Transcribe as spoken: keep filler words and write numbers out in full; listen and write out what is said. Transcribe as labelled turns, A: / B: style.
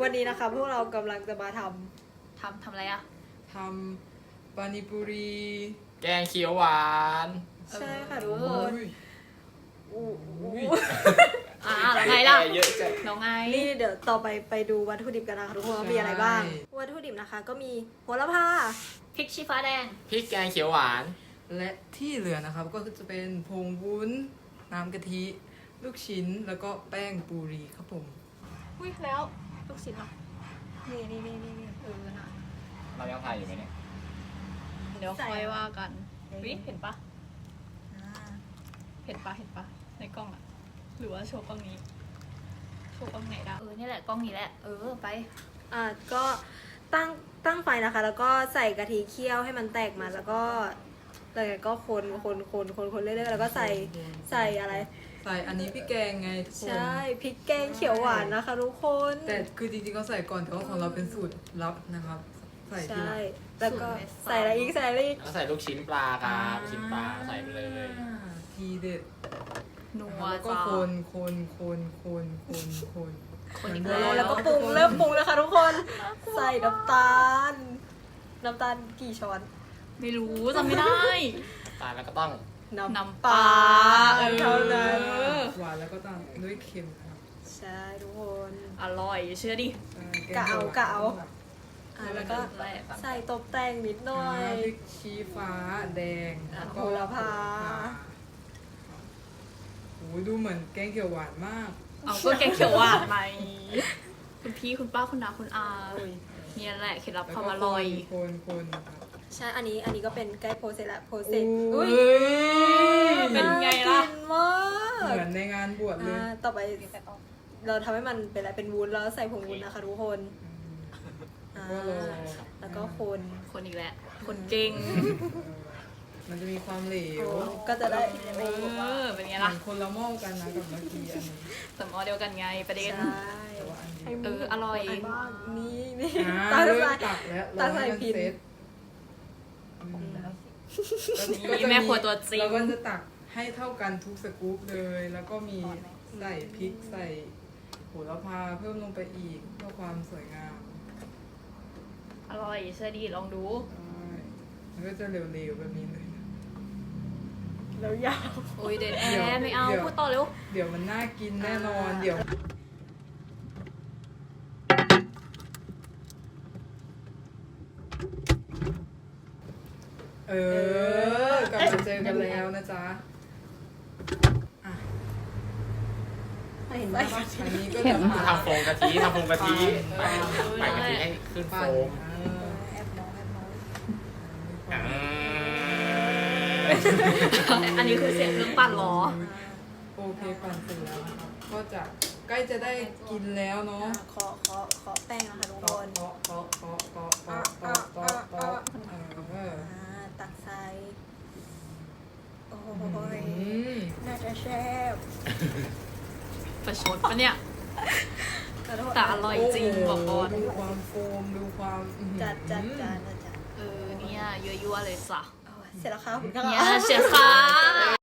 A: วันนี้นะคะพวกเรากำลังจะมาทำ
B: ทำทำอะไรอะ
C: ทำปานิปุรี
D: แกงเขียวหวาน
A: ใช่ค่ะทุกคน
C: อุ้ย
A: อู้
B: อ่าแล้วไงล่ะ
D: เยอะจัง
B: แล้วไง
A: นี่เดี๋ยวต่อไปไปดูวัตถุดิบกันนะคะทุกคนว่ามีอะไรบ้าง วัตถุดิบนะคะก็มีโหระพา
B: พริกชี้ฟ้าแดง
D: พริกแกงเขียวหวาน
C: และที่เหลือนะครับก็จะเป็นผงวุ้นน้ำกะทิ ลูกชิ้นแล้วก็แป้งปูรีครับผม
B: อุ้ยแล้วลูกชิ้นเหรอ
A: นี่นี่นี่นี่นี่
B: เออน่ะ
D: เรายังถ่ายอยู่ไหมเนี่ย
B: เดี๋ยวค่อยว่ากันวิเห็นปะ
A: อ่า
B: เห็นปะเห็นปะในกล้องอะหรือว่าโชว์กล้องนี้ โชว์กล้องไหนได้เออนี่แหละกล้องนี้แหละ เออไป
A: อ่าก็ตั้งตั้งไฟนะคะ แล้วก็ใส่กะทิเคี่ยวให้มันแตกมันแล้วก็แล้วก็คนคนคนคนคนเรื่อยๆแล้วก็ใส่ใส่อะไร
C: ใส่อันนี้พี่แกงไงทุกคน
A: ใช่พริกแกงเขียวหวานนะคะทุกคน
C: แต่คือจริงๆเขาใส่ก่อนแต่ว่าของเราเป็นสูตรลับนะครับ ใส่ทีห
A: ใช่
C: ลัง
A: แล้วก็ใส่อะไรอีกใส่อะไรอีก
D: แล้วใส่ลูกชิ้นปลาครับลูกชิ้นปลาใส่ไปเลย
C: อ่าทีเด็ด
B: นัว
C: แล้วก็
B: จ้า
C: คนคนคนคนคนคน
B: คนอีก
C: เหมื
B: แล้
C: น
B: ว
A: แล้วก็ปรุงเริ่มปรุงแล้วค่ะทุกคนใส่น้ำตาล น้ำตาลกี่ช้อน
B: ไม่รู้จำไม่ได้
D: ตาลแล้วก็ต้อง
B: น้ำปลา
A: เออเท่านั้น
C: หวานแล้วก็ตามด้วยเค็มนะครับ
A: ใช่ทุกคน
B: อร่อยเชื่อดิ
C: ใช่
A: กะเอา
C: แง
A: กะเอา
C: หวน
A: อ่ะแล้วก็
B: แรกอะ
A: ใส่ตบแต่งนิดหน่อย
C: อ่าพริกชี้ฟ้าแดง
A: อ่ะ
C: แล้วก็
A: โหระพา
C: โอ้ยดูเหมือนแกงเขียวหวานมาก
B: เอาก็แกงเขียวหวานไหมคุณพี่คุณป้าคุณน้าคุณอา
A: อุ้ย
B: เนี่ยแหละเคล็ดลับ
C: แล้ว
B: ความ
C: ก็
B: อร่อย
C: คนคนนะครับ
A: ใช่อันนี้อันนี้ก็เป็นใกล้โพสเสร็จแล้วโพสเส
C: โอ้
A: ร็จอุ้ย
C: ย
B: เป็นไงล่ะ
A: ากินมาก
C: เหมือนในงานบวชเลย
A: อ่าต่อไปเราทำให้มันเป็นอะไรเป็นวุ้นแล้วใส่ผงวุ้นนะคะทุกคนอ่า
C: ก็รอ
A: แล้วก็คน
B: คนอีกแล้ว คนเก่ง
C: เออมันจะมีความเหลว
A: โอ้ก็จะได้
B: เออ เป็นไง
C: เหมื
B: ล่ะ
C: อนคนละหม้อกันนะกับเมื่อกี้อันนี้
B: สมอเดียวกันไงประเด็น
A: ใช่
C: แต่ว่าอันเดียว
B: เอออร่อย
A: บ้างนี่นี่
C: อ่า
A: ตา
C: เริ่
A: ใส่
C: มตักแล้ว
A: ตาใส่
C: รอให้มัน
A: พิน
C: เซ็ต
B: นี่แม่ครัวตัวจริง
C: เราก็จะตักให้เท่ากันทุกสกู๊ปเลย แล้วก็มีใส่พริกใส่โหระพาเพิ่มลงไปอีกเพื่อความสวยงาม
B: อร่อยเชื่อดีลองดู
C: ใช่มันก็จะเหลวๆแบบนี้เลย
A: แล้วยาว
B: โอ้ยเดนแอ
C: เดี๋ยว
B: ร์ไม่เอา
C: เดี๋ยว
B: พูดต่อเร็ว
C: เดี๋ยวมันน่ากินแน่นอน
A: อ่า
C: เดี๋ยว เออกลับมาเจอกันแล้วนะจ๊ะอ่ะ
A: เห็นไหม
C: อันนี้ก็จะ
D: ทำโฟมกะทิทำโฟมกะทิ
C: ปั่น
D: ใส่กะทิให้ขึ้นโฟ
C: ปั่น
D: ม
C: เออ
A: แอบมองแอบมอง
D: อ่า
B: อันนี้คือเสียงเครื่องปั่นเหรอ
C: โอเคปั่นเสร็จแล้วนะครับก็จะใกล้จะได้กินแล้วเนาะ
A: อ่าขอขอขอแป้งนะคะทุกค
C: เตาะ
A: น
C: เตาะเตาะเตาะเตาะเตาะเตาะเตาะเตาะเออ
A: อ่าตักใส่โอ้โห
C: อืม
A: น่าจะแซ่บ
B: ประชดปะเนี่ย แต่อร่อยจริงบอกก่อน
C: ดูความโฟมดูความอื้อหือ
A: จัดจัดจัดจัด
B: เออเนี่ยยั่วๆเลยจ้ะ
A: เอาเสร็จแล้วค่ะคุณค่ะ
B: เนี่ยเชียร์ค่ะ